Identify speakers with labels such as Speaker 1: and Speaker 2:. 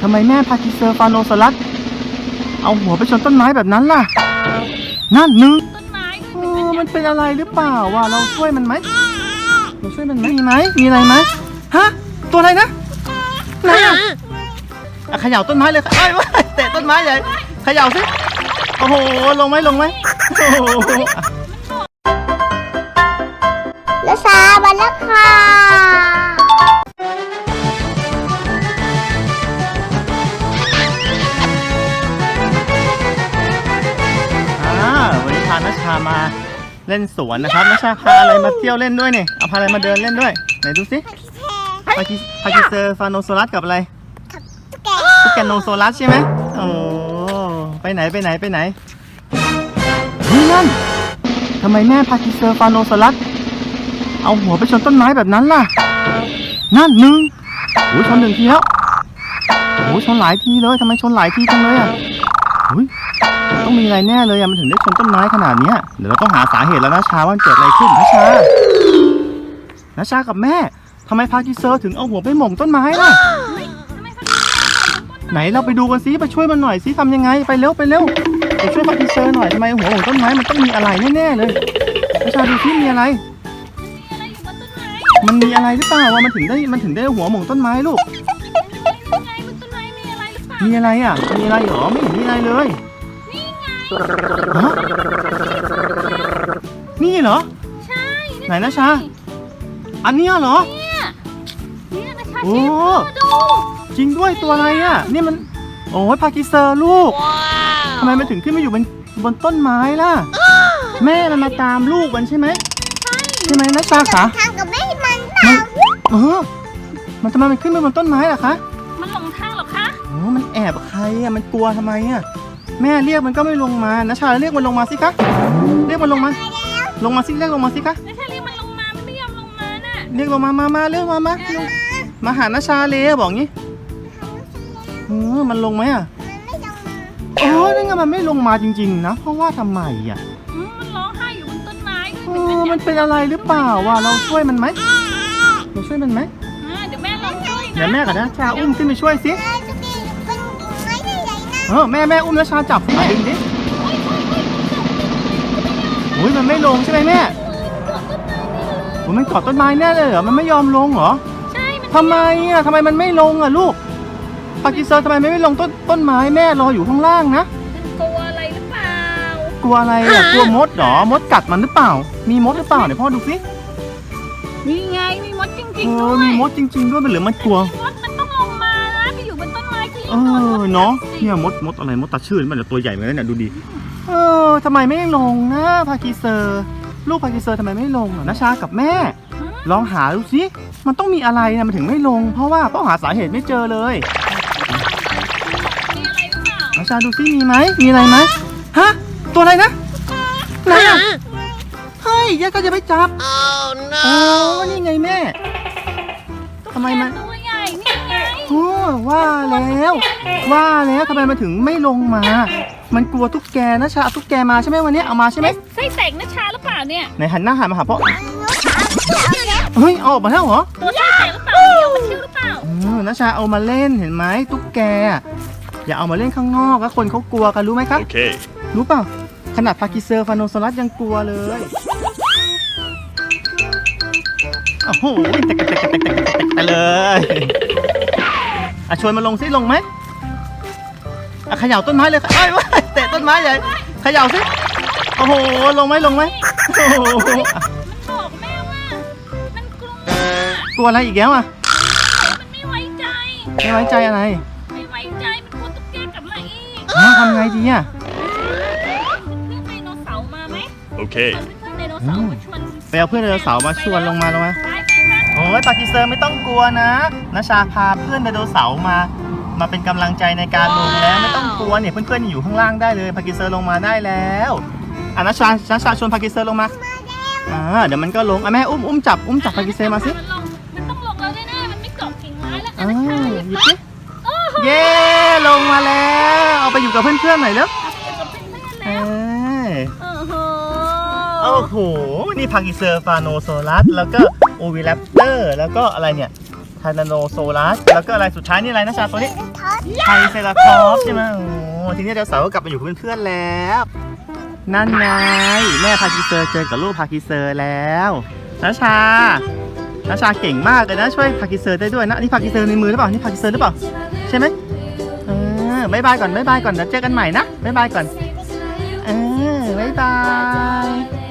Speaker 1: ทำไมแม่พาคิเซอร์ฟาโนซอรัสเอาหัวไปชนต้นไม้แบบนั้นล่ะนั่นนึง
Speaker 2: ต้นไม้
Speaker 1: มันเป็นอะไรหรือเปล่าวะเราช่วยมันไหมเราช่วยมันไหมมีไหมมีอะไรไหมฮะตัวอะไรนะไหนอะเขย่าต้นไม้เลยไอ้วะเตะต้นไม้ใหญ่เขย่าสิโอ้โหลงไหมโอ้โห
Speaker 3: และซาบันแล้วค่ะ
Speaker 1: วันนี้พานัชชามาเล่นสวนนะครับนัชชาพาอะไรมาเที่ยวเล่นด้วยเนี่ยเอาพาอะไรมาเดินเล่นด้วยไหนดูสิพาคิเซอร์ฟาโนโซรัสกับอะไรตุ๊กแกโนโซรัสใช่ไหมโอ้ไปไหนนี่นั่นทำไมแม่พาคิเซอร์ฟาโนโซรัสเอาหัวไปชนต้นไม้แบบนั้นล่ะนั่นหนึ่งโอ้ยชน1 ทีแล้วโอ้ยชนหลายทีเลยทำไมชนหลายทีจังเลยอ่ะต้องมีอะไรแน่เลยอ่ะมันถึงได้ชนต้นไม้ขนาดนี้เดี๋ยวเราต้องหาสาเหตุแล้วนะชาว่าเกิดอะไรขึ้นนะชากับแม่ทำไมพาคิเซอร์ถึงเอาหัวไปหม่งต้นไม้ล่ะไหนเราไปดูกันซิไปช่วยมันหน่อยซิทำยังไงไปเร็วไปช่วยพาคิเซอร์หน่อยทำไมหัวหม่งต้นไม้มันต้องมีอะไรแน่ๆเลยนะชาดูซิมีอะไรมันมีอะไรหรือเปล่าว่ามันถึงได้หัวหม่งต้นไม้ลูกมีอะไรอ่ะมีอะไรหรอไม่เห็นมีอะไรเลยนี่เหรอใช่ไหนนะชาอันนี้เหรอ
Speaker 2: เนี่ยนะชา
Speaker 1: โอ้
Speaker 2: ดู
Speaker 1: จริงด้วยตัวอะไรอ่ะนี่มันโอ้ยพาคิเซอร์ลูกทำไมมันถึงขึ้นมาอยู่บนต้นไม้ล่ะแม่มันมาตามลูกมันใช่ไหมนะชาคะ
Speaker 3: ทางกับแม่มัน
Speaker 1: มันทำไมมันขึ้นมาบนต้นไม้ล่ะคะ
Speaker 2: มันหลงทางหรอคะ
Speaker 1: โอ้มันแอบใครอ่ะมันกลัวทำไมอ่ะแม่เรียกมันก็ไม่ลงมานะชาเรียกมันลงมาสิคะเรียกมันลงมาสิเรียกลงมาสิคะ
Speaker 2: นะชาเรียกมันลงมามันไม่ยอมลงมาน่ะ
Speaker 1: เรียกลงมาเรียกมาหานะชาเลยบอกงี้มันลงไหมอ่ะนั่นไงมันไม่ลงมาจริงๆนะเพราะว่าทำไมอ่ะ
Speaker 2: มันร้องไห้อยู่บนต้นไม้
Speaker 1: มันเป็นอะไรหรือเปล่าวะเราช่วยมันไหมเดี๋ยวแม่ลองช่วยนะเดี๋ยวแม่กับนะชาอุ้มขึ้นไปช่วยสิแม่อุ้มนะชาจับดึงดิโอ้ยมันไม่ลงใช่ไหมแม่มันเกาะต้นไม้แน่เลยเหรอมันไม่ยอมลงเหรอ
Speaker 2: ใช่
Speaker 1: ทำไมมันไม่ลงอ่ะลูกพาคิเซอร์ทำไมไม่ลงต้นไม้แม่รออยู่ข้างล่างนะ
Speaker 2: กลัวอะไรหรือเปล่าก
Speaker 1: ลัวอะไรอ่ะกลัวมดเหรอมดกัดมันหรือเปล่ามีมดหรือเปล่าเดี๋ยวพ่อดูสิ
Speaker 2: นี่ไงมีมดจริงๆด้วย
Speaker 1: มีมดจริงๆด้วยหรือมันกลัว
Speaker 2: มดมันต้องลงมานะไปอยู่บนต้นไม้ที่
Speaker 1: เนาะเนี่ยมดอะไรมดตาชื่นมันตัวใหญ่เหมือนกันเนี่ยดูดิทำไมไม่ลงนะพาคิเซอร์ลูกพาคิเซอร์ทำไมไม่ลงนะชากับแม่ลองหาดูสิมันต้องมีอะไรนะมันถึงไม่ลงเพราะว่าต้องหาสาเหตุไม่เจอเลยนะชาดูสิมีไหมมีอะไรไหมฮะตัวอะไรนะไหนอ่ะเฮ้ยแยกก็จะไปจับนี่ไงแม่ทำไมมัน
Speaker 2: ตัวใหญ่นี่ไง
Speaker 1: ว่าแล้วทำไมมันถึงไม่ลงมามันกลัวตุ๊กแกนะชาตุ๊กแกมาใช่ไหมวันนี้เอามาใช่ไหม
Speaker 2: ไส้แตกนะชาหรือเปล่าเนี่ย
Speaker 1: ไหนหันหน้ามาหาพ่อเฮ้ยเอาออกมาแล้วเหรอ
Speaker 2: ตัวไส้แตกหรือเปล่าเดี๋ยวมันชื่อหรือเปล่า
Speaker 1: นะชาเอามาเล่นเห็นไหมตุ๊กแกอย่าเอามาเล่นข้างนอกแล้วคนเขากลัวกันรู้ไหมครับโอเครู้เปล่าขนาดพาคิเซอร์ฟาโนโซรัสยังกลัวเลยโอ้โหแตกเลยชวนมันลงซิลงไหมเขย่าต้นไม้เลยไอ้วะเตะต้นไม้ใหญ่เขย่าสิโอ้โหลงไหม
Speaker 2: มันบอกแม่ว่ามันกลัว
Speaker 1: อะไรอีกแล้วอ่ะ
Speaker 2: มันไม่ไว้ใจ
Speaker 1: อะไร
Speaker 2: ไม่ไว้ใจมันกลัวตุ๊กแกกลับมาอีก
Speaker 1: ทำไงดีอ่ะ
Speaker 2: เพื่อนไดโนเสาร์มาไหม
Speaker 1: โอเค
Speaker 2: เพื่อนไดโนเสาร์มาชวน
Speaker 1: ไปเอาเพื่อนไดโนเสาร์มาชวนลงมาโอ้ยพาคิเซอร์ไม่ต้องกลัวนะชาพาเพื่อนไดโนเสาร์มาเป็นกำลังใจในการลงแล้วไม่ต้องกลัวเนี่ยเพื่อนๆอยู่ข้างล่างได้เลยพาคิเซอร์ลงมาได้แล้วนะชาชวนพาคิเซอร์ลงมาเดี๋ยวมันก็ลงแม่อุ้มจับพาคิเซอร์มาสิ
Speaker 2: มันต้องลงแล้วแน่ๆมันไม่เกาะกิ่งไม้แล้ว
Speaker 1: หยิบสิเย้ลงมาแล้วเอาไปอยู่กับเพื่อนๆหน่อยแล้วโอ้โหนี่พาคิเซอร์ฟาโนโซรัสแล้วก็โอวิแรปเตอร์แล้วก็อะไรเนี่ยทานาโนโซลัสแล้วก็อะไรสุดท้ายนี่อะไรนะชาตัวนี้ไทรเซราทอปส์ใช่ไหมโอ้ทีนี้ไดโนเสาร์ก็กลับมาอยู่กับเพื่อนๆแล้ว นั่นไงแม่พาคิเซอร์เจอกับลูกพาคิเซอร์แล้วนาชเก่งมากเลยนะช่วยพาคิเซอร์ได้ด้วยนะนี่พาคิเซอร์ในมือหรือเปล่านี่พาคิเซอร์หรือเปล่าใช่ไหมบ๊ายบายก่อนเดี๋ยวเจอกันใหม่นะบ๊ายบายก่อนบ๊ายบาย